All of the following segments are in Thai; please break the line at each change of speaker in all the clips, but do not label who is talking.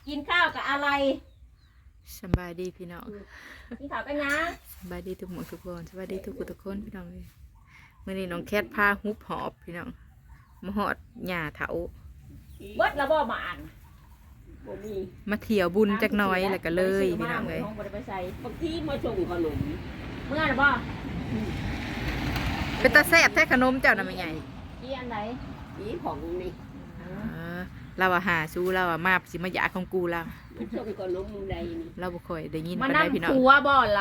กินข้าวกับอะไร
สบายดีพี่น้อง
กินข้าวกันยัง
สบายดีทุกหมดทุกคนสบายดีทุกคนพี่น้องเลยมื่อนี้น้องแคทพาฮุบหอบพี่น้องมาหอดหญ้าเถา
เบิดแล้วบ่มาอ่าน
มาเที่ยวบุญจักหน้อยแล้วก็เลยพี่น้องเลย
บางทีมาส่งขนมเมื่อไหร่บ่
เป็นตาแซ่บแท้ขนมเจ้าน่ะไม่ใหญ่
กี่อันไหนกี่ของนี่
เราหาสู้เรามาสิมาหยาของกูเรา
ส่งขนมใด
เราบ่ค่อยได้ยิน
มานั่งหัวบ่เรา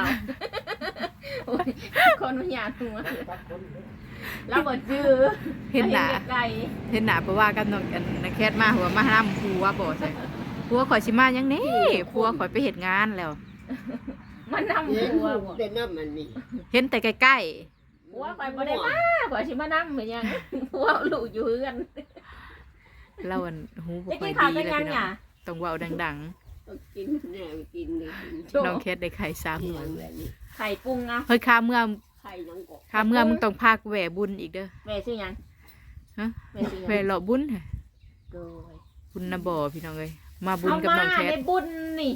คนมันหยาหัวเราบ่จื้อ
เห็นหนาเพราะว่ากันน้องแคทมาหัวมาห้ามผัวบ่ใช่ผัวข่อยสิมายังนี่ผัวข่อยไปเฮ็ดงานแล้ว
มันนำผัวบ่
ได้นำมันนี่
เห็นแต่ใกล้
ๆผัวข่อยบ่ได้มาข่อยสิมานำเหมือนหยังผัวลูกอยู่เฮือน
เราหูบ่ค่อยดีเลยพี่น้องต้องเว้าดัง
ๆกินแน่กินเลย
น้องแคทได้ไข่3มื้อ
ไข่ปรุงเอา
เฮ้ยค่าเมื่อ
ไข่ยังก
ค่าเมื่อมึงต้องพากูแหวบุญอีกเด้อ
แม่ชื่อหยัง
ฮะแหวหล่อบุญบุญนะบ่พี่น้องเอ้ยมาบุญกับน้องแคท
ในบุญนี่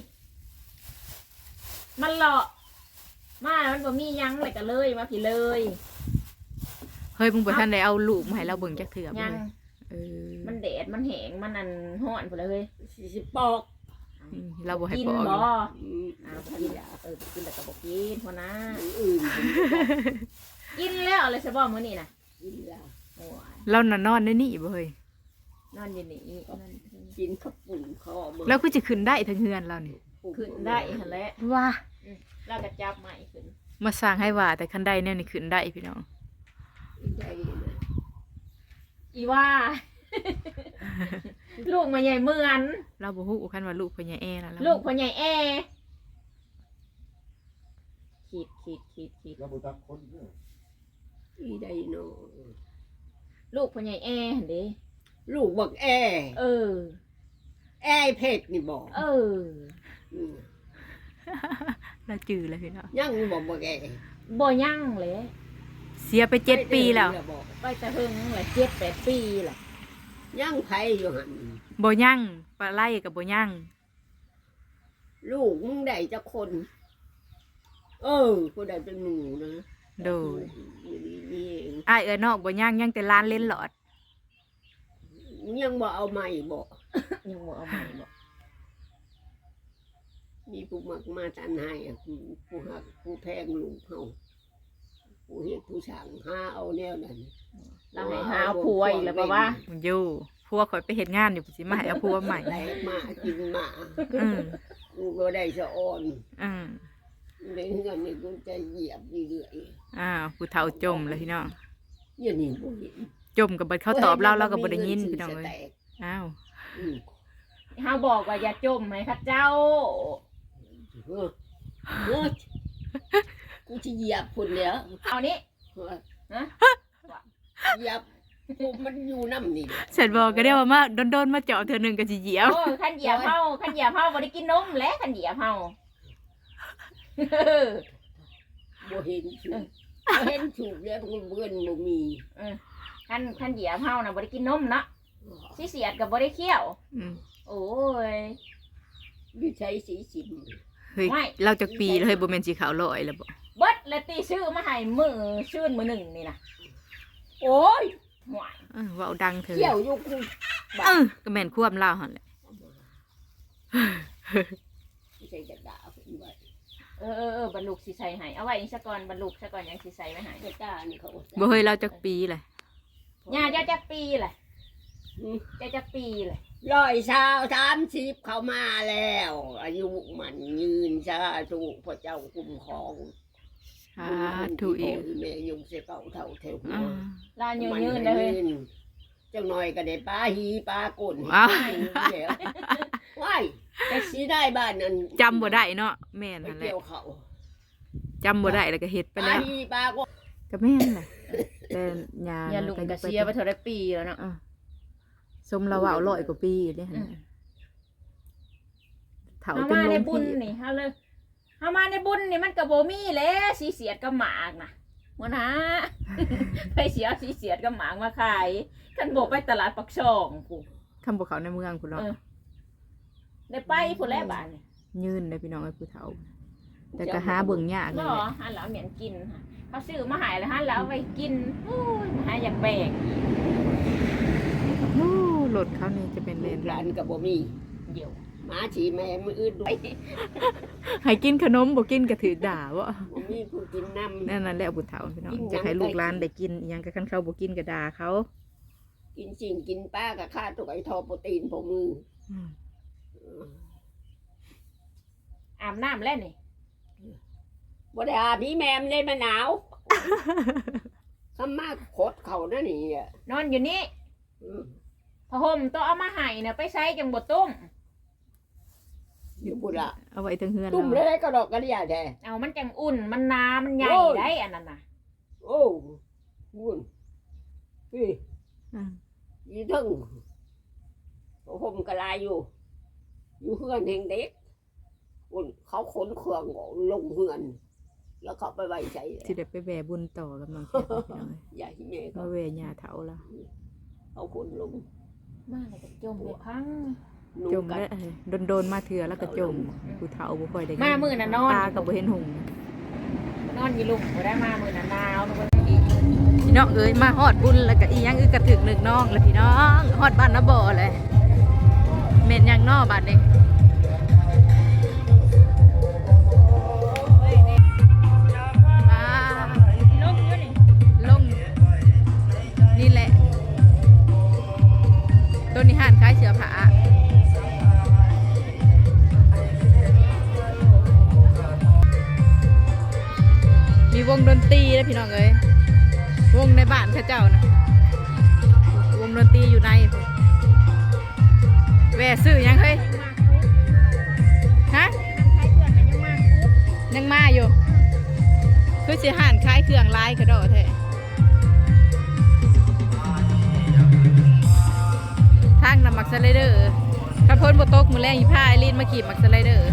มันหล่อมามันบ่มียังเลยก็เลยมาพี่เลย
เฮ้ยมึงบ่ทันได้เอาลูกมาให้เราเบิ่งจักเทื่อ
ยังมันแดดมันแห้งมันอันร้อนพุ่นเลยเฮ้ย
40ปอก
เราบ่ให้
ปอกบ่กินกินแต่ก็บ่กินพอนะกินแล้วอะไรซะบ่มื้อนี้น่ะ
กินแล้ว
เราน่ะนอนในนี่บ่เฮ้ย
นอนอยู่นี่
กินข้าวปุ้นข้าวมื้อ
แล้วคือจะขึ้นได้ทั้งเฮือนเรานี่
ขึ้นได้หั่นแหละ
ว่า
เราก็จับใหม่ขึ้น
มาสร้างให้ว่าแต่คันใดแนวนี่ขึ้นได้พี่น้อง
อีว่าลูกมาใหญ่เหมือน
เราบ่ฮู้คันว่าลูกพ่อใหญ่แอนะ
ลูกพ่อใหญ่แอขีด
เราบ่ตักคนเด้ออีได้เนาะ
ลูกพ่อใหญ่แอหั่นเด้
ลูกบักแอแอเพชรนี่บ่
เราจื้อแล้วพี่น้อง
ยังบ่บักแอ
บ่ยังเลย
เสียไป7 ปีแล้ว
ไปแต่เพิ่งแหละ7-8 ปีแหละ
ยังไผอยู่หั่น
บ่ยังปลาไหลกับบ่ยัง
ลูกมึงได้จักคนผู้ใดเป็นหนูนะ
โดยอ้ายนอกบ่ยังแต่ล้านเล่นหลอด
ยังบ่เอาใหม่บ่
ยังบ่เอาใหม่บ่
มีผู้มักมาทันให้ผู้ฮักผู้แพงลูกเฮาผู้เฮ็ดผู้สร้างหาเอาแนวนั้น
เราให้หาผัวอีกแล้วป่ะวะ
อยู่ผัวข่อยไปเฮ็ดงานอยู่สิมาให้เอาผัวใหม่
มากินมากูก็ได้สะอ่อนในเงินนี่กูจะเหยียบเรื่อย
ผู้เฒ่าจมแล้วพี่น้อง
อย่างนี้บ่เห็น
จมกับบัดเขาตอบเราก็บ่ได้ยินพี่น้องเอ้ย
เฮาบอกว่าอย่าจมให้ข้าเจ้า
กูจะเหยียบพุ่นแล้ว
เอานี้
นะเหยียบมันอยู่น้ำนี่
เสร็จบอกก็ได้ว่ามาโดนมาเจาะเธอหนึ่งก็จะเหยียบ
ขันเหยียบเฮาบ่ได้กินนมแล้วขันเหยียบเฮา
บ่เห็นถูกแล้วเพื่อนบ่มี
ขันเหยียบเฮาน่ะบ่ได้กินนมเนาะสิเสียดกับบ่ได้เคี้ยวโอ้ย
วิชัยสีสิบ
เฮ้ยเราจะปีเลยบ่แม่นสีขาวลอยแล้วบ่
เบิดแล้วตีชื่อมาให้ชื่นมื้อหนึ่งนี่นะโอ้ย
ว่าดังเถอะ
เกี่ยวอยู่กู
ก็แม่นควบเล่าหั่นแหละ
ไม่ใช่จะด่าเพิ่นไว้
บรรลุสิใส่ให้เอาไว้นี่ซะก่อนบรรลุซะก่อนยังสิใส่ไว้ให้
จะด่านี่เขา
บ่เฮ้ยเราจักปีแหละ
ย่าจะจักปีแหละจักปีแหละ
130เข้ามาแล้วอายุมันยืนซะถูกพระเจ้าคุ้มครอง
ถูกอีก
แม่ยุงเสเก่าเท่าเทว
ลานยืนเลย
จังหน่อยก็ได้ปลาหีปลากุ่นว้ายแต่สีได้บ้านนั้น
จำบ่ได้เนาะแม่นนั่นแหละจำบ่ได้แล้วก็เฮ็ดไปแล้ว
ปลา
ก็แม่นแหละแต่
ยาลุงก็เสียไปเท่าไรปีแล้วเนาะ
สมละว่า100 กว่าปีเด้หั่น
เฒ่าจนลงบุญนี่เฮาเลยเฮามาในบุญนี่มันก็บ่มีแล้วสีเสียดกับหมากน่ะบ่นะไปเสียสีเสียดกับหมากมาขายคันบ่ไปตลาดปักช่องกู
คำบ่เขาในเมืองพุ่นเนาะ
ได้ไปพุ่นแล้วบาดนี่
ยืนเลยพี่น้องไอ้ผู้เฒ่าแต่ก็หาเบิ่งยากเล
บ่
ย
หันแล้วเหม็นกินค่ะเขาซื้อมาใหายแล้วหันแล้วเอาไปกินโอ้ยหาอยากแบก
โอ้รถเขานี่จะเป็นเล
ลู
น
กหลานก็บ่มี
เดี๋ยว
หมาฉีแม่มืออื่นด้วย
ให้กินขนมบ่กินก็ถือด่าว่า
บ่มีผู้กินน้ำ
นั่นแหละผู้เฒ่าพี่น้อง
กินหยัง
จะให้ลูกหลานได้กินอิหยังก็คันเขาบ่กินก็ด่าเขา
กินจริงกินป้ากับข้าตัวไอ้ทอโปรตีนพวกมือ
อืม
อาบน้ำแล้วนี่
บ่ได้อาบนี่แม่มนเลยมาหนาวข้ามาโคตรเขานั่นนี่อ่ะ
นอนอยู่นี่
อืม
ผ้าห่มต้องเอามาให้น่ะไปใช้จังบ่ตุ้ม
อยู่บุระ
เอาไว้ทั้งเฮือน
ตุ้ม
เรา
เลยก็ดอกกระเดียแท้
เอามันจังอุ่นมันหนามันใหญ่
โอ้ย
ได้อันนั้นน่ะ
โอ้บุญพี่
อ่า
ยี่ทึ่งผมกระลายอยู่ อยู่เฮือนแห่งเด็กบุญเขาขนเครื่องลงเฮือน แล้วเขาไปไว้ใช้
สิได้ไปแว่บุญต่อกับน้องแคทพี่น้องเอ้ย
อย่าที่แม่
มา
เขา
แว่ย่าเฒ่าละ
เขาขนลง
มาแล้วก็จมไปพัง
จมแล้วโดนๆมาเถื่อแล้วก็จมผู้เฒ่าบ่ค่อยได้
มามื้อน่ะนอน
ตาก็บ่เห็นหงส์
นอนอยู่ลุมบ่ได้มามื้อน่ะหนาวนึกว่า
พี่น้องเอ้ยมาฮอดบุญแล้วก็อีหยังอึกกระถึกนึกน้องแล้วพี่น้องฮอดบ้านนาบ่อเลยแม่นหยังน้อบ้านนี้มา
ลงอยู่นี่
ลงนี่แหละต้นนี้ห่านคล้ายเสือผามีวงดนตรีแล้วพี่น้องเอ้ยวงในบ้านเข้าเจ้านะวงดนตรีอยู่ในพุ่นแหวซื้อยังเฮ้ยฮะ
ใช้เครื่องกันยังมาคุก
ยังมาอยู่คือสิห่านคล้ายเครื่องลายกระโดดแท้ทางนำมักสไลเดอร์ขับพ้นบตกมือแรงอีผ้าไอรีนมาขี่มักสไลเดอร์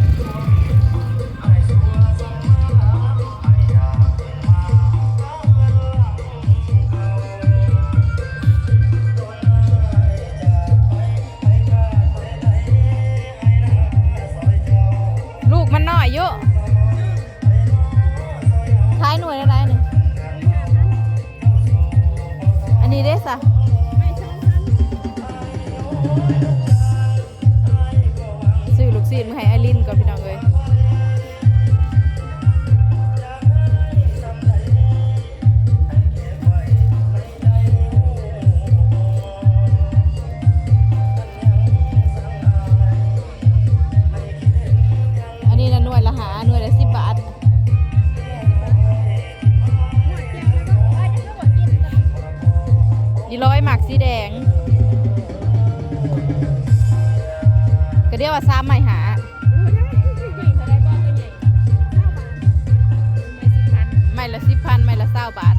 ลูกมันน้อยเยอะท้ายหน่วยอะไรนี่อันนี้เด้สะซื้อลูกซีนมาให้ไอรินก่อนพี่น้องเลยอันนี้นะหน่วยละหาหน่วยละ10 บาทดีร้อยหมักสีแดงก็เรียกว่าซ้ำไม่หาไม่ละ10,000ไม่ละ20 บาท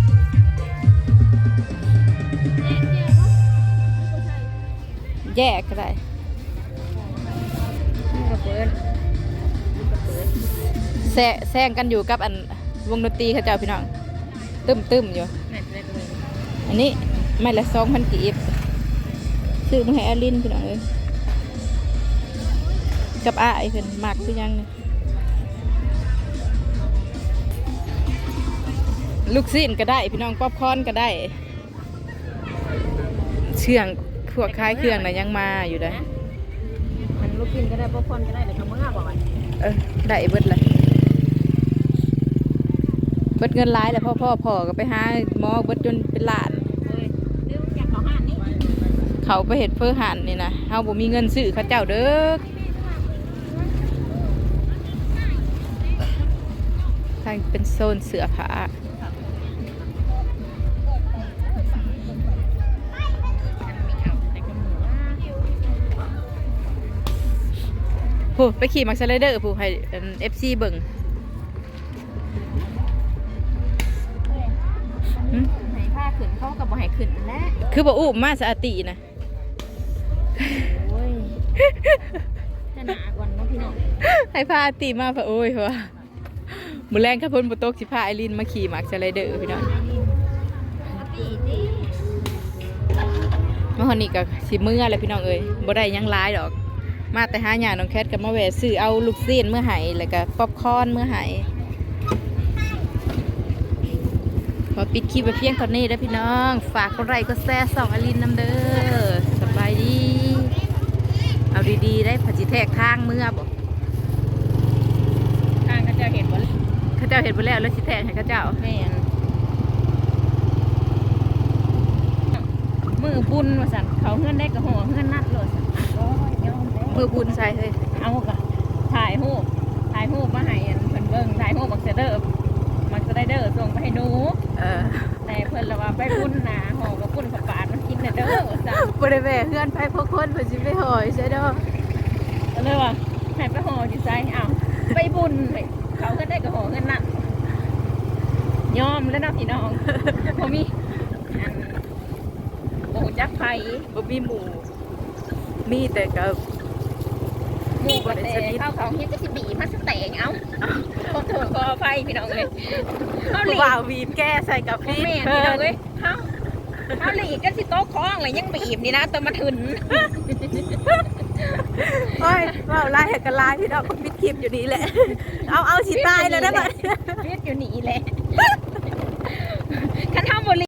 แยกก็ได้แซงกันอยู่กับอันวงดนตรีเขาเจ้าพี่น้องตึ้มอยู่อันนี้ไม่ละ2,000 กีบซื้อมาให้อาลินพี่น้องเลยกับอ้ายเพิ่นมักคือหยังนี่ลูกซีนก็ได้พี่น้องป๊อปคอร์นก็ได้เชื่องพวกคล้ายเครื่องน่ะยังมาอยู่ได้
มันลูกกินก็ได้ป๊อปคอร์นก็ได้แต่เขาเมื่อบ่อย
ได้เบิดเลยเบิดเงินหลายแล้วพ่อก็ไปหาหมอเบิดจนเป็นล้าน
เลยเรื่องจากเขาห้านนี่
เขาไปเห็ดเพื่อหันนี่นะเฮาบ่มีเงินซื้อเขาเจ้าเด้อทางเป็นโซนเสื้อผ้าผู้ไปขี่มักสไลเดอร์ผู้ให้ FC เบิ่งหึ
ให้ผ้าขึ้นเขากับบ่ให้ขึ้นและ
คือบ่อุ้มมาสะอาตินะ
โอ้ยจะหนากว่าน้องพี่น้อง
ให้พาอาติมาพะโอ้ยว่ามื้อแรงข้าพ้นบ่ตกสิพาไอรินมาขี่มักสไลเดอร์พี่น้อง
ตีดิ
มาฮอนนี่ก็สิมื้อแล้วพี่น้องเอ้ยบ่ได้หยังหลายดอกมาแต่หาหยาน้องแคทกับมาแวะซื้อเอาลูกซีนเมื่อไหแล้วก็ป๊อปคอร์นเมื่อไหขอปิดคลิปไปเพียงเท่านี้แล้วพี่น้องฝากกดไลค์กดแชร์ส่องอลินน้ำเด้อสบายดีเอาดีๆได้ผัดจีแทกทางเมื่อบ่
ทางเขาเจ้าเห็นบ่
ข้าเจ้าเห็นไปแล้วแล้วสิแทกให้ข้าเจ้า
แม่นมือบุญว่าสั่นเขาเฮือนได้ก็ห่อเฮือนนัดเลยสั่นก็ยอมแล้ว
มือบุญใส่เลย
เอากะถ่ายรูปมาให้อันเพิ่นเบิ่งถ่ายรูปบักเซเดอร์มันจะได้เด้อส่งไปให้หนู แต่เพิ่นละว่าไปบุญนะห่อกับบุญกับปาดมันกินเด้อว่าซั่น
บริเวณเพื่อนไปพวกคนเพื่อจะไปหอยใช่ดอก
ก็เลยว่าให้ไปห่ออยู่ไสอ้าวไปบุญเฮ้ยเขาก็ได้ก็ห่อเงินนั่นยอมแล้วเนาะพี่น้องบ่มีอันบ่ฮู้จักไผ
บ่มีหมูมีแต่กับ
หมู่บ่ได้เขาเฮ็ดก็สิบีมาสแตงเอ้าขอโทษขออภัยพี่น้องเอ้ยเขาหลี
ว่าววีบแก้ใส่กับ
บ่
พี่
แม่นพี่น้องเอ้ยเขาหลีกันสิโต๊ะคล้องเลยยังบีบนี่นะตัวมาถึน
โอ้ยว่าวไล่ให้กันไล่พี่น้องก็ปิดคลิปอยู่นี่แหละเอาสิตายแล้วนะบัด
เรียกอยู่นี่แหละ